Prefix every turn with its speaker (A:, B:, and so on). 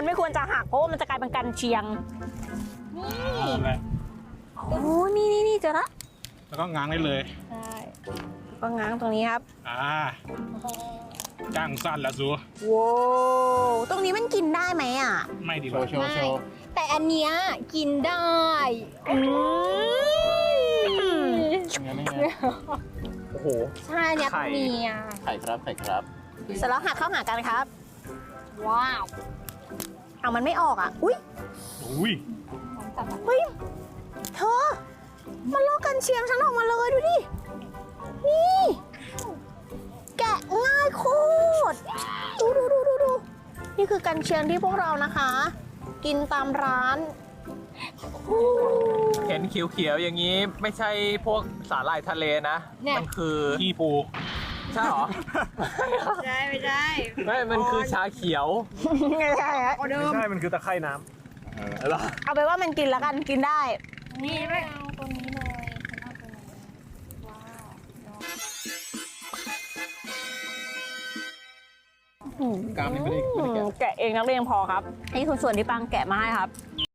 A: ไม่ควรจะหักเพราะว่ามันจะกลายเป็นกันเชียง
B: นั่นแหละ
A: โอ้นี่เจอละ
B: แล้วก็ง้างได้เลย
A: ใช่ก็ง้างตรงนี้ครับ
B: จ้างสั้นแล้วซู
A: ว้าวตรงนี้มันกินได้ไหมอ่ะ
B: ไม่ดี
C: โช
B: กว่า
C: ว์โชว์โชว์
D: แต่อันเนี้ยกินได้
C: งั้นนี่ไงโอ้โห
D: ใช่เนี่ย
C: ไข่
D: ตัวเมีย
C: ไข่ครับไข่ครับ
A: เสร็จแล้วหักเข้าหากันครับ
D: ว้าว
A: เอามันไม่ออกอ่ะอุ้ย
B: อุ้ย
A: เฮ้ยเธอมันลอกกันเชียงฉันออกมาเลยดูดินี่แกะง่ายโคตรดูนี่คือกันเชียงที่พวกเรานะคะ กินตามร้าน
E: เห็นเขียวๆอย่างนี้ไม่ใช่พวกสาหร่ายทะเลนะ มันคือ
B: ขี้ปู
E: ใช่เหรอ
D: ใช่ไม่ได้
E: ไม่ มันคือชาเขียว
A: ไม่ใช่ฮะ
D: ออเดิม
E: ใช่ มันคือตะไคร่น้
A: เอาไปว่ามันกินแล้วกันกินได้
D: นี่ไม่เอาตัวนี้เลยฉันเอาตัวนี้ว้าว
C: กล้ามนี่ไม่ได้แกะ
A: แกะเองนักเรียนพอครับนี่คือส่วนที่ปังแกะมาให้ครับ